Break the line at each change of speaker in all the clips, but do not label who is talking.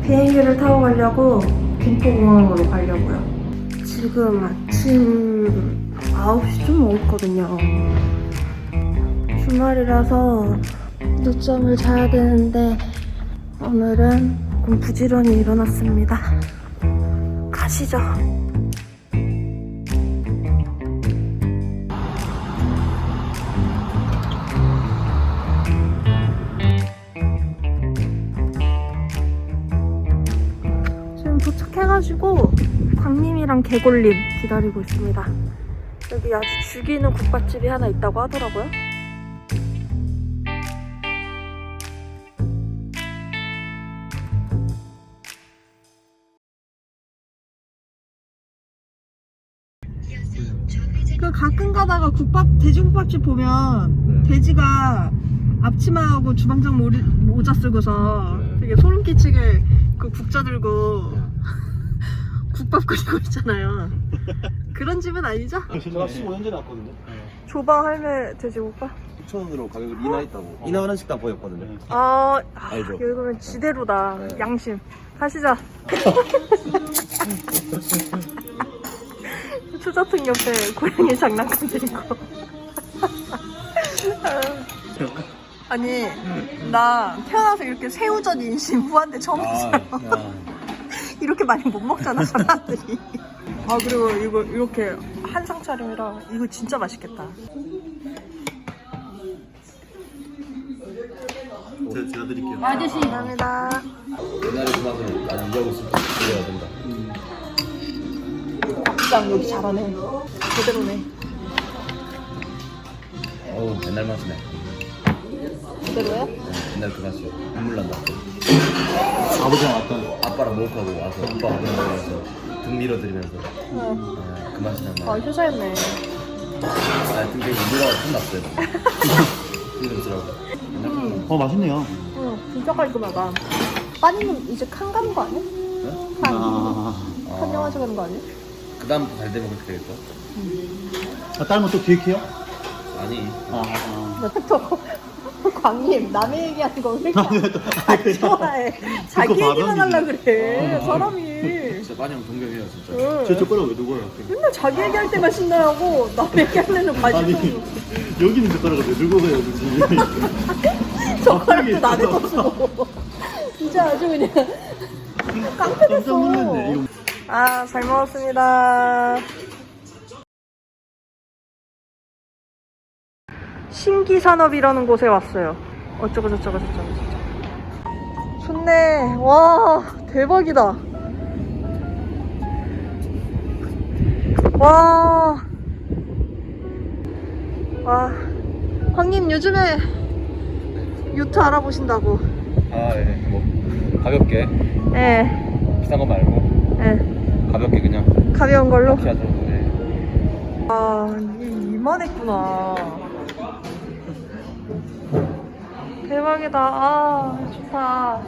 비행기를 타고 가려고 김포공항으로 가려고요. 지금 아침 9시 좀 넘었거든요. 주말이라서 늦잠을 자야 되는데 오늘은 조금 부지런히 일어났습니다. 가시죠. 지금 도착해가지고 광림이랑 개골림 기다리고 있습니다. 여기 아주 죽이는 국밥집이 하나 있다고 하더라고요. 그 가끔 가다가 돼지국밥집 보면 돼지가 앞치마하고 주방장 모자 쓰고서 되게 소름 끼치게 그 국자 들고 국밥 끓이고 있잖아요. 그런 집은 아니죠?
제가 15년 전에 왔거든요.
조방 할매 돼지국밥?
6,000원으로 가격을 인하했다고. 인하하는 식당 보였거든요.
여기
알죠?
보면 지대로다. 양심. 가시죠. 추저등 옆에 고양이 장난감 들고. 아니, 나 태어나서 이렇게 새우젓 인심 후한데 처음 봤어요. 이렇게 많이 못 먹잖아, 사람들이. 그리고 이거 이렇게 한상 차림이라 이거 진짜 맛있겠다.
제가 드릴게요.
아저씨, 감사합니다.
옛날에 그 맛을 나는 이해하고 있을 때 드려야 된다.
국장 여기 잘하네. 제대로네.
어우, 옛날 맛이네.
제대로요?
옛날 그 맛이요. 눈물 난다. 아버지랑 왔던 아빠랑 목욕하고 와서 아빠가 먹으면서 등 밀어드리면서 그 맛이 난다.
효자였네.
등 되게 밀어가 손 났어요. 힘들더라고.
맛있네요.
진짜 깔끔하다. 빠니는 이제 칸 가는 거 아니야? 칸 영화제 가는 거 아니야?
그 다음부터 잘 되면 그렇게 되겠죠?
딸은 또 기획해요?
아니.
또 광님 남의 얘기하는 거 왜 이렇게 안 좋아해? 자기 얘기만 하려 그래 사람이.
진짜 빠니형 동경해요 진짜.
저 거랑 왜 누구예요?
맨날 자기 얘기할 때만 신나하고 남의 얘기할 때는 관심
여기는 젓가락을 왜 들고 가요, 그치?
젓가락도 나를 거주고 진짜 아주 그냥 깡패 됐어. 잘 먹었습니다. 신기산업이라는 곳에 왔어요. 어쩌고 저쩌고. 좋네. 와, 대박이다. 와. 광님 요즘에 요트 알아보신다고.
예. 뭐 가볍게.
예.
비싼 거 말고.
예.
가볍게 그냥.
가벼운 걸로.
피하죠. 네.
이만했구나. 대박이다. 좋다.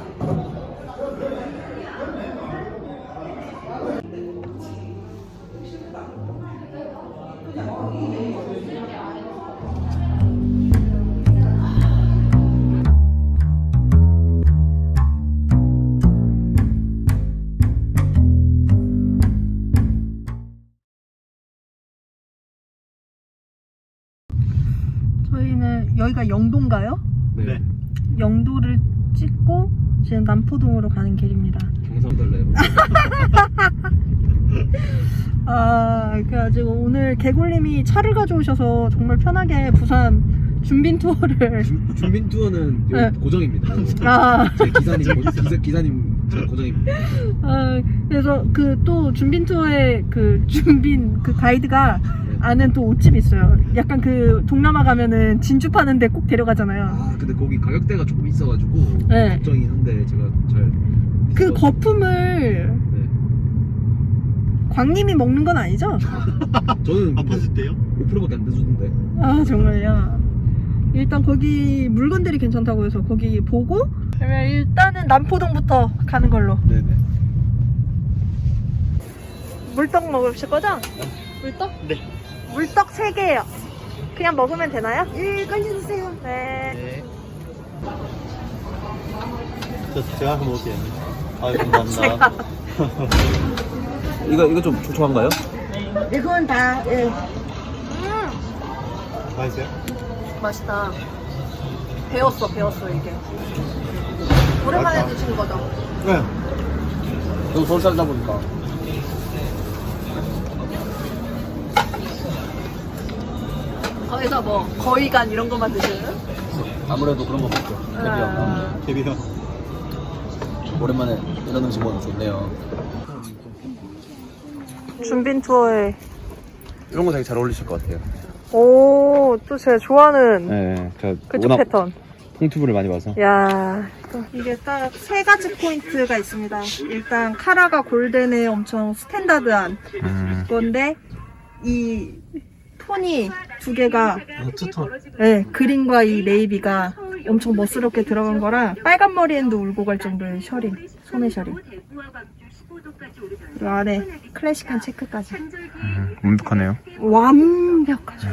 저희는 여기가 영도인가요?
네.
영도를 찍고 지금 남포동으로 가는 길입니다.
경상달래요.
그래가지고 오늘 개굴님이 차를 가져오셔서 정말 편하게 부산 준빈 투어를.
준빈 투어는
네.
고정입니다. 제 기사님 저 고정입니다.
그래서 그 또 준빈 투어의 그 준빈 그 가이드가 아는 또 옷집 있어요. 약간 그 동남아 가면은 진주 파는데 꼭 데려가잖아요.
근데 거기 가격대가 조금 있어가지고
네.
걱정이긴 한데 제가 잘.
그 거품을
네.
광님이 먹는 건 아니죠?
저는
아팠을 때요?
5%밖에 안 돼주던데.
정말요? 일단 거기 물건들이 괜찮다고 해서 거기 보고 그러면 일단은 남포동부터 가는 걸로.
네네.
물떡 먹으실 거죠? 물떡?
네.
물떡 3개요. 그냥 먹으면 되나요? 예, 꺼내주세요. 네.
제가 한번 먹을게요.
아 감사합니다. 이거 좀 촉촉한가요?
이건 다, 예.
맛있어요?
맛있다. 배웠어, 이게. 오랜만에
맛있다.
드시는 거죠?
네.
너무 서울 살다 보니까.
거기서 뭐, 거위간 이런 것만 드시는?
아무래도 그런 거 먹죠. 캐비어.
캐비어.
오랜만에 이런 음식 먹으면 좋네요.
준빈 투어에.
이런 거 되게 잘 어울리실 것 같아요.
오, 또 제가 좋아하는
네, 제가
그쪽 패턴.
폰튜브를 많이 봐서.
야, 또 이게 딱 세 가지 포인트가 있습니다. 일단 카라가 골덴의 엄청 스탠다드한 건데 이 톤이 두 개가
투톤.
네, 그린과 이 네이비가 엄청 멋스럽게 들어간 거라 빨간 머리엔도 울고 갈 정도의 셔링, 소매 셔링. 그리고 안에 클래식한 체크까지.
완벽하네요.
완벽하죠.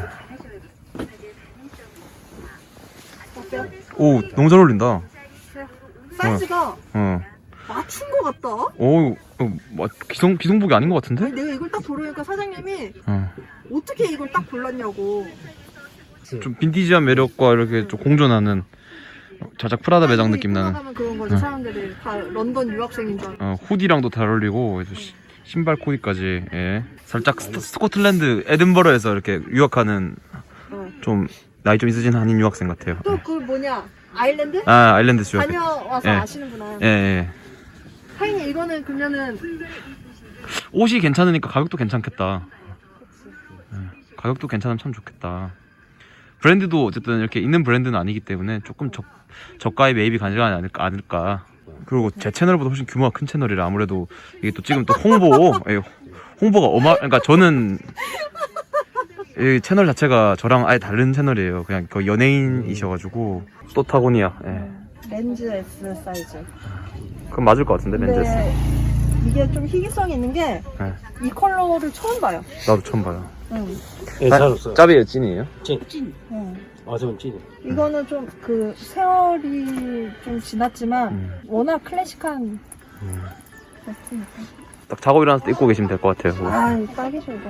오, 너무 잘 어울린다.
사이즈가
어.
맞춘 것 같다.
오, 기성복이 아닌 것 같은데?
아니, 내가 이걸 딱 고르니까 사장님이
어.
어떻게 이걸 딱 골랐냐고.
좀 빈티지한 매력과 이렇게 좀 공존하는 자작 프라다 매장 느낌 나는.
하면 그런 거지. 사람들이 다 런던 유학생인 줄 알고.
후디랑도 잘 어울리고 그래서 신발 코디까지. 예. 살짝 스코틀랜드 에든버러에서 이렇게 유학하는 좀 나이 좀 있으신 한인 유학생 같아요.
또 그 뭐냐 아일랜드?
아, 아일랜드 유학.
다녀와서
예.
아시는구나.
예, 예.
하인이 이거는 그러면은
옷이 괜찮으니까 가격도 괜찮겠다. 예. 가격도 괜찮으면 참 좋겠다. 브랜드도 어쨌든 이렇게 있는 브랜드는 아니기 때문에 조금 저가의 매입이 가능하지 않을까. 그리고 제 채널보다 훨씬 규모가 큰 채널이라 아무래도 이게 또 지금 또 홍보가 그러니까 저는 이 채널 자체가 저랑 아예 다른 채널이에요. 그냥 거의 연예인이셔가지고 또 타고니아. 예.
렌즈 S 사이즈.
그럼 맞을 것 같은데 렌즈.
근데 이게 좀 희귀성이 있는 게 이
예.
컬러를 처음 봐요.
나도 처음 봐요.
응.
네, 잘 없어요.
짭이에요, 찐이에요?
응.
아, 저는 찐이.
이거는 좀 그 세월이 좀 지났지만 워낙 클래식한 제품이니까.
딱 작업 일어났을 때 입고 계시면 될 것 같아요.
아, 딱이죠 이거.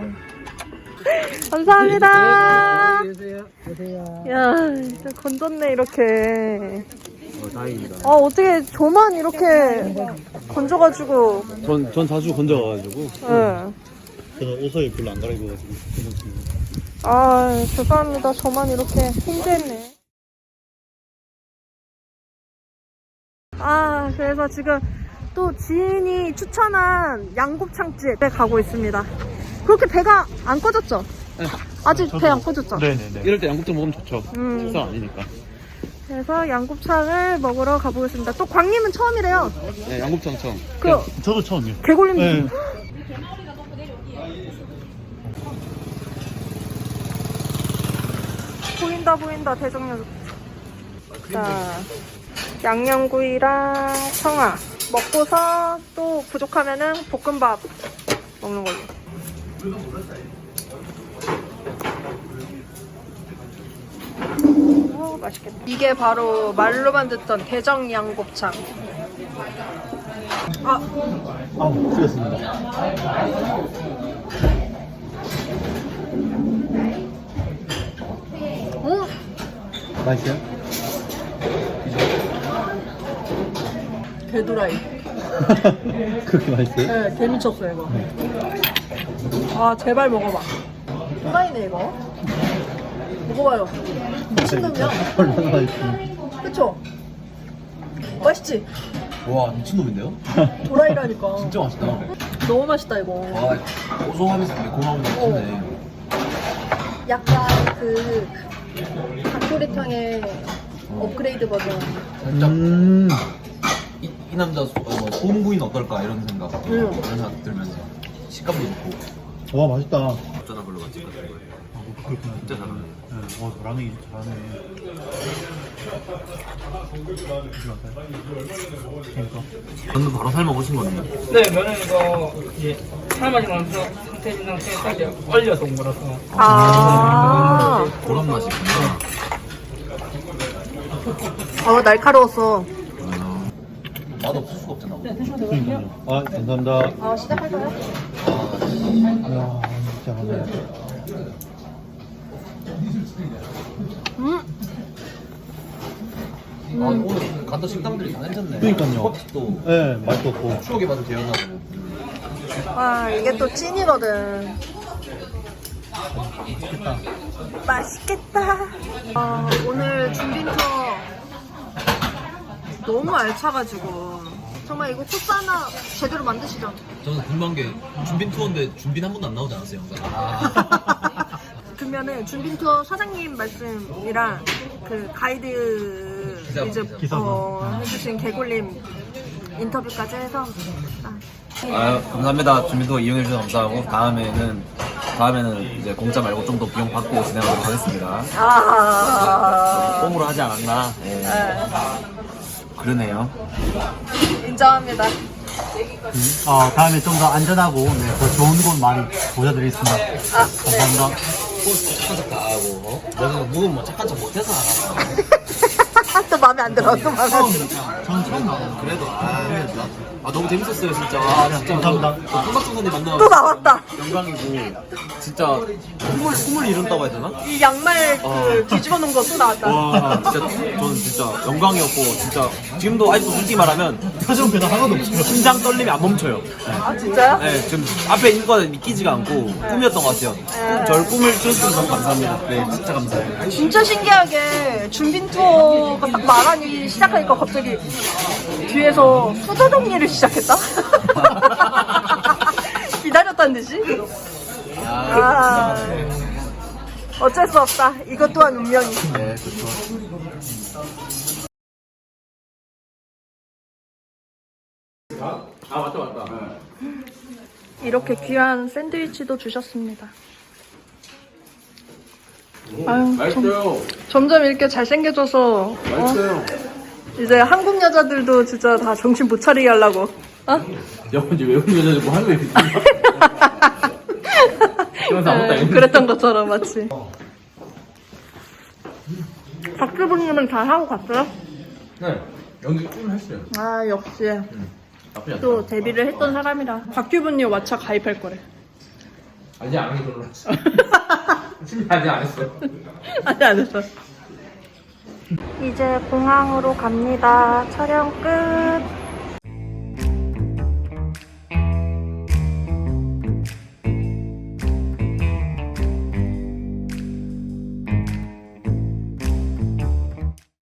감사합니다. 야, 진짜 건졌네 이렇게.
다행입니다.
어떻게 저만 이렇게 건져가지고.
전 자주 건져가가지고.
예.
저는 옷을 별로 안 갈아입어가지고. 괜찮습니다.
아, 죄송합니다. 저만 이렇게 힘들네. 아, 그래서 지금 또 지인이 추천한 양곱창집에 가고 있습니다. 그렇게 배가 안 꺼졌죠?
네.
아직 배 안 꺼졌죠?
네네네.
이럴 때 양곱창 먹으면 좋죠. 식사 아니니까.
그래서 양곱창을 먹으러 가보겠습니다. 또 광님은 처음이래요.
네, 양곱창 처음.
저도 처음이요.
개골림.
네.
보인다 대정역. 자, 양념구이랑 청아 먹고서 또 부족하면은 볶음밥 먹는 걸로. 맛있겠다. 이게 바로 말로만 듣던 대정 양곱창.
틀렸습니다. 맛있어요?
개도라이.
그렇게 맛있어요?
네, 개 미쳤어요 이거. 아, 제발 먹어봐. 도라이네 이거. 먹어봐요. 미친놈이야.
얼마나 맛있어요?
그쵸? 맛있지?
와, 미친놈인데요?
도라이라니까.
진짜 맛있다.
너무 맛있다 이거.
와, 고소하면서 매콤하고 맛있네.
약간 그 닭도리탕의 업그레이드 버전.
살짝 이 남자 소음구이는 어떨까 이런 생각. 이런 생각 들면서 식감도 좋고.
와, 맛있다.
어쩌다 별로 맛집 같은 거예요.
그렇구나.
진짜 잘하네.
네, 잘하네, 그러니까.
전도 바로 삶아 보신 거네요.
네, 면은 이거 이제 삶아진 상태인 상태에 딱 얼려서 온 거라서.
아,
그런 맛이 있구나.
날카로웠어.
맛없어.
수가 없잖아.
그러니까요. 아, 감사합니다.
시작할까요?
야, 진짜 감사합니다.
오늘 갔던 식당들이 다 괜찮네.
그러니까요.
또
네, 맛도 없고.
추억의 맛을 재현하고.
와, 이게 또 찐이거든. 맛있겠다. 오늘 준빈 투어 너무 알차가지고 정말 이거 코스 하나 제대로 만드시죠?
저는 궁금한 게 준빈 투어인데 준빈 한 번도 안 나오지 않았어요, 영상?
그러면은 준빈 투어 사장님 말씀이랑 그 가이드 이제 해주신 개굴림 인터뷰까지 해서
아유, 감사합니다. 준비도 이용해주셔서 감사하고 다음에는 이제 공짜 말고 좀 더 비용 받고 진행하도록 하겠습니다. 뽕으로 하지 않았나? 예. 그러네요.
인정합니다.
다음에 좀 더 안전하고 더 좋은 곳 많이 보여드리겠습니다. 감사합니다.
착한 척 다 하고, 너는 누군 뭐 착한 척 못해서 알아.
또 마음에 안 들어. 또 마음에 안 들어.
전 처음 나와요.
그래도, 너무 재밌었어요, 진짜.
감사합니다.
콩박중선이 만나서
또 나왔다.
영광이고 진짜 꿈을 이룬다고 해야 되나?
이 양말 그 뒤집어 놓은 거 또 나왔다.
와, 진짜 저는 진짜 영광이었고 진짜 지금도 아직도 솔직히 말하면
표정 변화 하나도 없어요.
심장 떨림이 안 멈춰요.
아 진짜요?
네, 지금 앞에 있는 거는 믿기지가 않고 꿈이었던 것 같아요. 저를 꿈을 키워주셔서 너무 감사합니다. 네, 진짜 감사해요.
진짜 신기하게 준빈 투어가 딱 말하니 시작하니까 갑자기 뒤에서 수저 정리를 시작했다? 기다렸다는 듯이? 어쩔 수 없다. 이것 또한 운명이.
네, 그렇죠.
이렇게 귀한 샌드위치도 주셨습니다. 아유, 점점 이렇게 잘생겨져서 이제 한국 여자들도 진짜 다 정신 못 차리게 하려고.
이제 외국 여자 뭐 하는 거야?
그랬던 것처럼 마치. 박주부님은 잘 하고 갔어요?
네, 연기 좀 했어요.
아 역시
나쁘지 않다.
또 데뷔를 했던 사람이라. 박규분님 왓챠 가입할 거래.
아직 안 해서 그렇지. 아직 안 했어.
아직 안 했어. 이제 공항으로 갑니다. 촬영 끝.